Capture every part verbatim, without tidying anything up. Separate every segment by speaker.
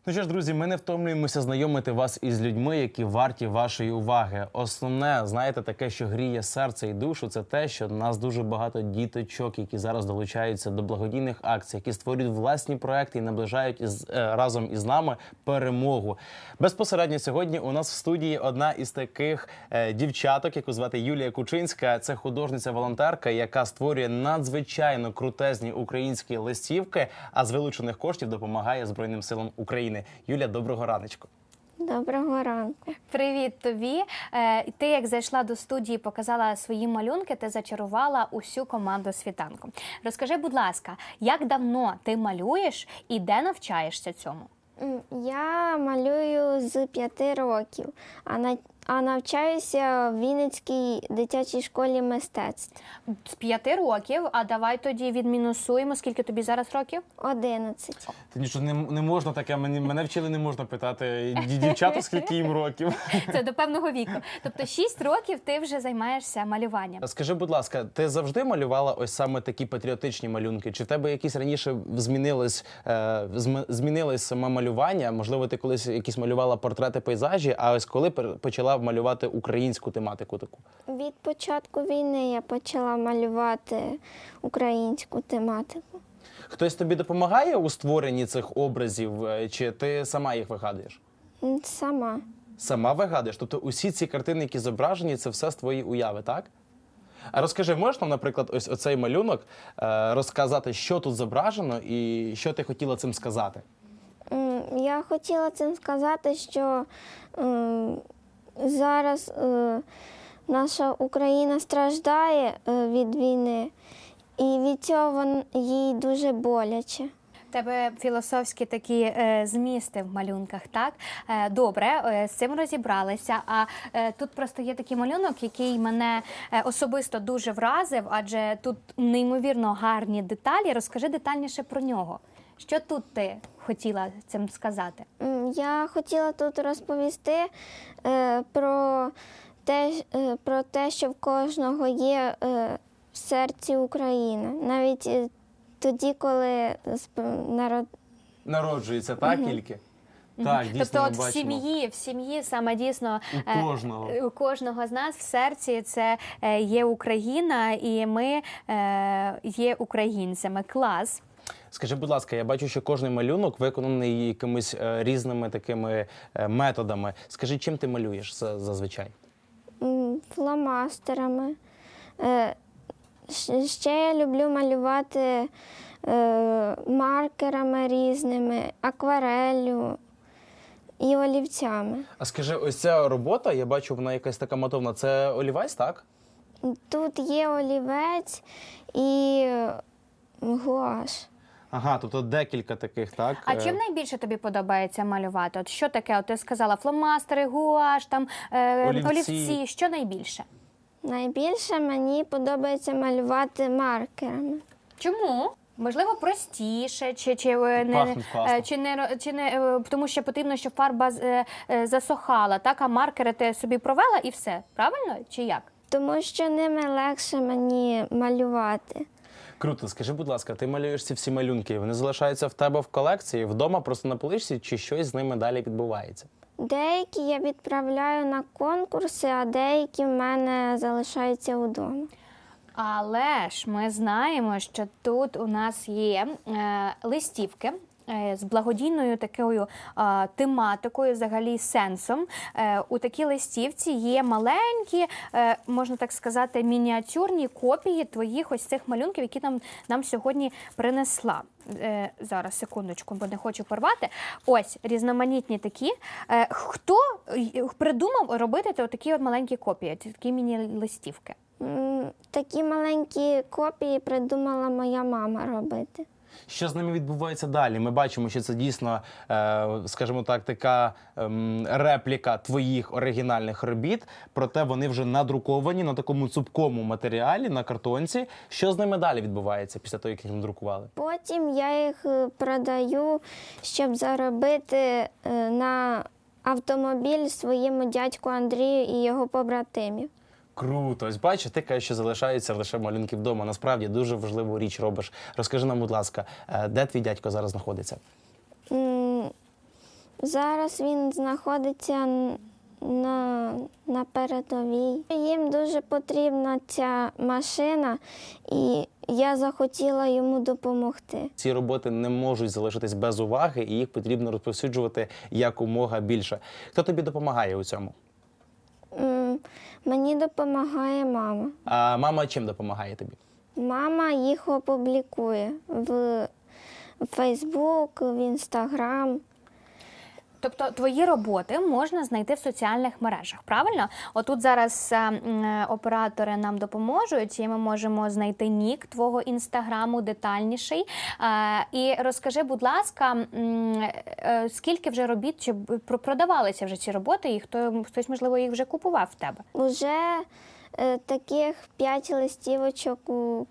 Speaker 1: Ну що ж, друзі, ми не втомлюємося знайомити вас із людьми, які варті вашої уваги. Основне, знаєте, таке, що гріє серце і душу, це те, що у нас дуже багато діточок, які зараз долучаються до благодійних акцій, які створюють власні проекти і наближають із, е, разом із нами перемогу. Безпосередньо сьогодні у нас в студії одна із таких е, дівчаток, яку звати Юлія Кучинська. Це художниця-волонтерка, яка створює надзвичайно крутезні українські листівки, а з вилучених коштів допомагає Збройним силам України. Юля, доброго раночку.
Speaker 2: Доброго ранку.
Speaker 3: Привіт тобі. Е, Ти, як зайшла до студії, показала свої малюнки, ти зачарувала усю команду світанку. Розкажи, будь ласка, як давно ти малюєш і де навчаєшся цьому?
Speaker 2: М, Я малюю з п'яти років, а, на, а навчаюся в Вінницькій дитячій школі мистецтв.
Speaker 3: З п'яти років, а давай тоді відмінусуємо, скільки тобі зараз років?
Speaker 2: Одинадцять.
Speaker 1: Та нічого, не, не можна таке, мені, мене вчили, не можна питати ді- дівчата, скільки їм років.
Speaker 3: Це до певного віку. Тобто шість років ти вже займаєшся малюванням.
Speaker 1: Скажи, будь ласка, ти завжди малювала ось саме такі патріотичні малюнки? Чи в тебе якісь раніше змінилось, е, зм- змінилось саме малювання? Можливо, ти колись якісь малювала портрети, пейзажі, а ось коли пер- почала малювати українську тематику таку?
Speaker 2: Від початку війни я почала малювати українську тематику.
Speaker 1: Хтось тобі допомагає у створенні цих образів, е, чи ти сама їх вигадуєш?
Speaker 2: М, Сама.
Speaker 1: Сама вигадуєш? Тобто усі ці картини, які зображені, це все з твої уяви, так? А розкажи, можеш нам, наприклад, ось оцей малюнок е, розказати, що тут зображено і що ти хотіла цим сказати?
Speaker 2: М, Я хотіла цим сказати, що м, зараз е, наша Україна страждає е, від війни, і від цього вон- їй дуже боляче.
Speaker 3: У тебе філософські такі е, змісти в малюнках, так? Е, добре, е, з цим розібралися. А е, тут просто є такий малюнок, який мене е, особисто дуже вразив, адже тут неймовірно гарні деталі. Розкажи детальніше про нього. Що тут ти хотіла цим сказати?
Speaker 2: М, Я хотіла тут розповісти е, про те, е, про те, що в кожного є е, в серці Україна. Навіть е, тоді, коли сп- народ...
Speaker 1: Народжується, так, тільки? Так, дійсно,
Speaker 3: Тобто,
Speaker 1: ми
Speaker 3: от в
Speaker 1: бачимо.
Speaker 3: сім'ї, в сім'ї саме дійсно
Speaker 1: У
Speaker 3: е,
Speaker 1: кожного.
Speaker 3: у кожного з нас в серці це е, є Україна, і ми е, є українцями. Клас.
Speaker 1: Скажи, будь ласка, я бачу, що кожний малюнок виконаний якимись е, різними такими е, методами. Скажи, чим ти малюєш за- зазвичай?
Speaker 2: м, фломастерами. Е, щ- Ще я люблю малювати е, маркерами різними, аквареллю і олівцями.
Speaker 1: А скажи, ось ця робота, я бачу, вона якась така матовна. Це олівець, так?
Speaker 2: Тут є олівець і гуаш.
Speaker 1: Ага, тобто декілька таких, так?
Speaker 3: А
Speaker 1: Е,
Speaker 3: чим найбільше тобі подобається малювати? От що таке? От ти сказала фломастери, гуаш, там е,
Speaker 1: Олівці.
Speaker 3: олівці. Що найбільше?
Speaker 2: Найбільше мені подобається малювати маркерами.
Speaker 3: Чому? Можливо, простіше, чи, чи, е, не,
Speaker 1: Пахнуть класно.
Speaker 3: е, чи, не, ро- чи не е, тому що потрібно, щоб фарба з- е, е, засохала, так? А маркери ти собі провела і все. Правильно? Чи як?
Speaker 2: Тому що ними легше мені малювати.
Speaker 1: Круто. Скажи, будь ласка, ти малюєш ці всі малюнки, вони залишаються в тебе в колекції, вдома просто на поличці, чи щось з ними далі відбувається?
Speaker 2: Деякі я відправляю на конкурси, а деякі в мене залишаються вдома.
Speaker 3: Але ж ми знаємо, що тут у нас є е, листівки е, з благодійною такою е, тематикою, взагалі сенсом. Е, у такій листівці є маленькі, е, можна так сказати, мініатюрні копії твоїх ось цих малюнків, які нам, нам сьогодні принесла. Е, зараз, секундочку, бо не хочу порвати. Ось, різноманітні такі. Е, хто е, придумав робити такі от маленькі копії, такі міні-листівки?
Speaker 2: М, Такі маленькі копії придумала моя мама робити.
Speaker 1: Що з ними відбувається далі? Ми бачимо, що це дійсно, е, скажімо так, така ем, репліка твоїх оригінальних робіт, проте вони вже надруковані на такому цупкому матеріалі, на картонці. Що з ними далі відбувається після того, як їх надрукували?
Speaker 2: Потім я їх е, продаю, щоб заробити е, на автомобіль своєму дядьку Андрію і його побратимів.
Speaker 1: Круто. Ось бачиш, ти кажеш, що залишаються лише малюнки вдома. Насправді дуже важливу річ робиш. Розкажи нам, будь ласка, де твій дядько зараз знаходиться?
Speaker 2: М, Зараз він знаходиться н- на, на передовій. Їм дуже потрібна ця машина, і я захотіла йому допомогти.
Speaker 1: Ці роботи не можуть залишитись без уваги, і їх потрібно розповсюджувати якомога більше. Хто тобі допомагає у цьому?
Speaker 2: М, Мені допомагає мама.
Speaker 1: А мама чим допомагає тобі?
Speaker 2: Мама їх опублікує в Фейсбук, в Інстаграм.
Speaker 3: Тобто твої роботи можна знайти в соціальних мережах, правильно? Отут зараз е, м, оператори нам допоможуть, і ми можемо знайти нік твого інстаграму детальніший. Е, і розкажи, будь ласка, м, е, скільки вже робіт, чи б- про- продавалися вже ці роботи, і хто, хтось, можливо, їх вже купував в тебе?
Speaker 2: Уже е, таких п'ять листівочок у-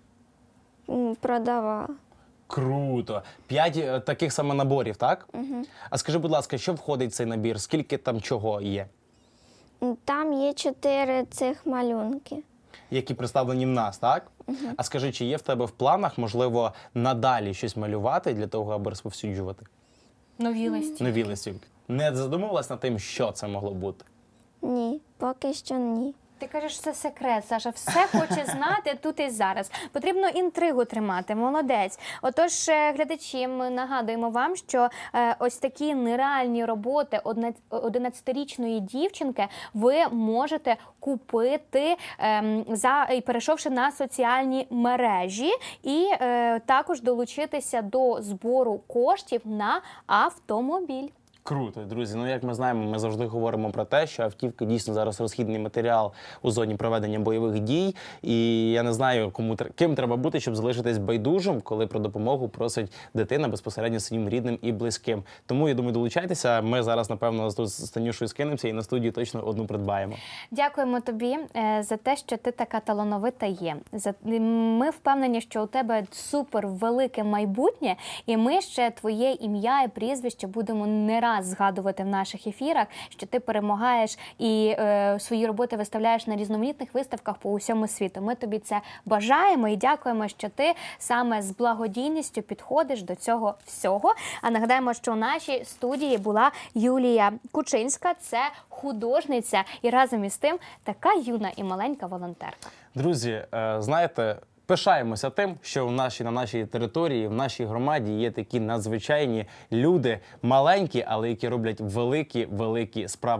Speaker 2: м, продавала.
Speaker 1: Круто! П'ять е, таких саме наборів, так? Угу. А скажи, будь ласка, що входить в цей набір? Скільки там чого є?
Speaker 2: М, Там є чотири цих малюнки.
Speaker 1: Які представлені в нас, так? Угу. А скажи, чи є в тебе в планах, можливо, надалі щось малювати для того, аби розповсюджувати
Speaker 3: Нові листі.
Speaker 1: нові листівки? Не задумувалась над тим, що це могло бути?
Speaker 2: Ні, поки що ні.
Speaker 3: Ти кажеш, це секрет, Саша. Все хоче знати тут і зараз. Потрібно інтригу тримати. Молодець. Отож, е, глядачі, ми нагадуємо вам, що е, ось такі нереальні роботи одна- одинадцятирічної дівчинки ви можете купити, ем, за, і перейшовши на соціальні мережі, і е, також долучитися до збору коштів на автомобіль.
Speaker 1: Круто, друзі. Ну, як ми знаємо, ми завжди говоримо про те, що автівки дійсно зараз розхідний матеріал у зоні проведення бойових дій. І я не знаю, кому тр- ким треба бути, щоб залишитись байдужим, коли про допомогу просить дитина безпосередньо своїм рідним і близьким. Тому я думаю, долучайтеся. Ми зараз, напевно, тут з Танюшою скинемося і на студії точно одну придбаємо.
Speaker 3: Дякуємо тобі е, за те, що ти така талановита є. За ми впевнені, що у тебе супер велике майбутнє, і ми ще твоє ім'я і прізвище будемо не раз згадувати в наших ефірах, що ти перемагаєш і е, свої роботи виставляєш на різноманітних виставках по усьому світу. Ми тобі це бажаємо і дякуємо, що ти саме з благодійністю підходиш до цього всього. А нагадаємо, що у нашій студії була Юлія Кучинська, це художниця і разом із тим така юна і маленька волонтерка.
Speaker 1: Друзі, е, знаєте, пишаємося тим, що в нашій, на нашій території, в нашій громаді є такі надзвичайні люди, маленькі, але які роблять великі-великі справи.